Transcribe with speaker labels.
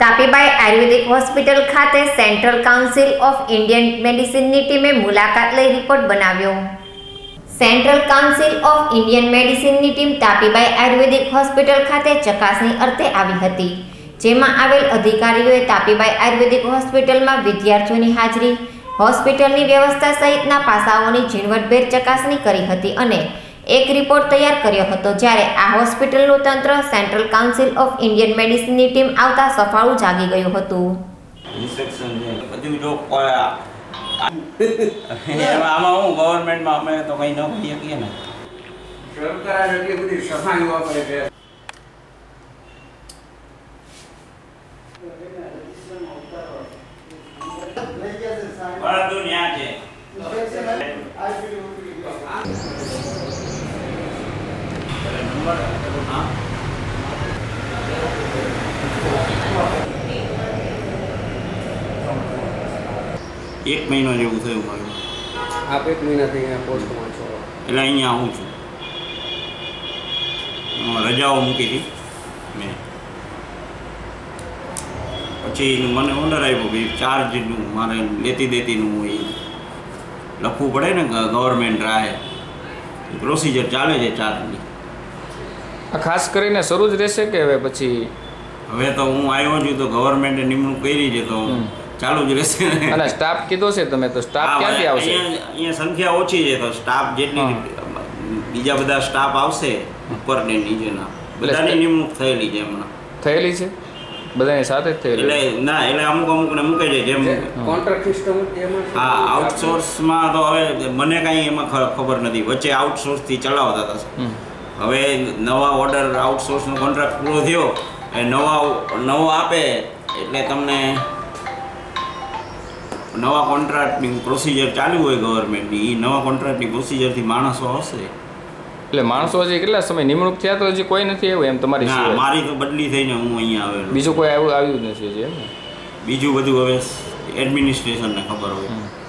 Speaker 1: તાપીબાઈ Ayurvedic hospital ખાતે central council of Indian મેડિસિનની ટીમે મુલાકાત લઈ રિપોર્ટ બનાવ્યો। સેન્ટ્રલ કાઉન્સિલ ઓફ ઇન્ડિયન મેડિસિનની ટીમ તાપીબાઈ આયુર્વેદિક હોસ્પિટલ ખાતે ચકાસણી અર્થે આવી હતી, જેમાં આવેલ અધિકારીઓએ તાપીબાઈ આયુર્વેદિક હોસ્પિટલમાં વિદ્યાર્થીઓની હાજરી, હોસ્પિટલની વ્યવસ્થા સહિતના પાસાઓની ઝીણવટભેર ચકાસણી કરી હતી અને એક રિપોર્ટ તૈયાર કર્યો હતો। જ્યારે આ હોસ્પિટલનું તંત્ર સેન્ટ્રલ કાઉન્સિલ ઓફ ઇન્ડિયન મેડિસિનની ટીમ આવતા સફાળું જાગી ગયું હતું।
Speaker 2: આમાં હું ગવર્મેન્ટમાં અમે તો કંઈ ન કરીએ શકીએ ને,
Speaker 3: સરકાર એટલી બધી સફાઈ વાપરે છે।
Speaker 2: બધું ન્યા છે। એક મહિનો જેવું થયું મારું।
Speaker 3: આપ એક મહિનાથી અહીંયા પોસ્ટમાં છો?
Speaker 2: એટલે અહીંયા આવું છું, રજાઓ મૂકી હતી મેં, પછી મને ઓર્ડર આવ્યો કે ચાર્જનું મારે લેતી દેતીનું એ લખવું પડે ને, ગવર્મેન્ટ રાહે પ્રોસિજર ચાલે છે ચાર્જની।
Speaker 4: ખાસ કરીને શરૂ જ રહેશે કે હવે પછી?
Speaker 2: હવે તો હું આવ્યો છું તો ગવર્મેન્ટે નિમણૂક કરી છે તો ચાલુ જ રહેશે ને।
Speaker 4: અને સ્ટાફ કીધો છે તમે, તો સ્ટાફ ક્યાંથી આવશે?
Speaker 2: અહીંયા સંખ્યા ઓછી છે તો સ્ટાફ જેટલી બીજા બધા સ્ટાફ આવશે ઉપર ને નીચેના બધાની નિમણૂક થયેલી છે હમણાં।
Speaker 4: થયેલી છે બધાની સાથે જ થયેલી?
Speaker 2: એટલે ના, એટલે અમુકને મૂકે છે જેમ
Speaker 3: કોન્ટ્રાક્ટ સિસ્ટમ એમાં?
Speaker 2: હા, આઉટસોર્સમાં તો હવે મને કાંઈ એમાં ખબર નથી, વચ્ચે આઉટસોર્સથી ચલાવતા હતા। હવે નવા ઓર્ડર આઉટસોર્સનો કોન્ટ્રાક્ટ પૂરો થયો એ નવો આપે એટલે તમને નવા કોન્ટ્રાક્ટની પ્રોસિજર ચાલુ હોય ગવર્મેન્ટની, એ નવા કોન્ટ્રાક્ટની પ્રોસિજરથી માણસો આવશે।
Speaker 4: એટલે માણસો હજી કેટલા સમય નિમણૂક થયા તો હજી કોઈ નથી આવ્યું એમ તમારી?
Speaker 2: ના, મારી તો બદલી થઈને હું અહીંયા આવેલો।
Speaker 4: બીજું કોઈ આવ્યું નથી હજી એમ ને?
Speaker 2: બીજું બધું હવે એડમિનિસ્ટ્રેશનને ખબર હોય।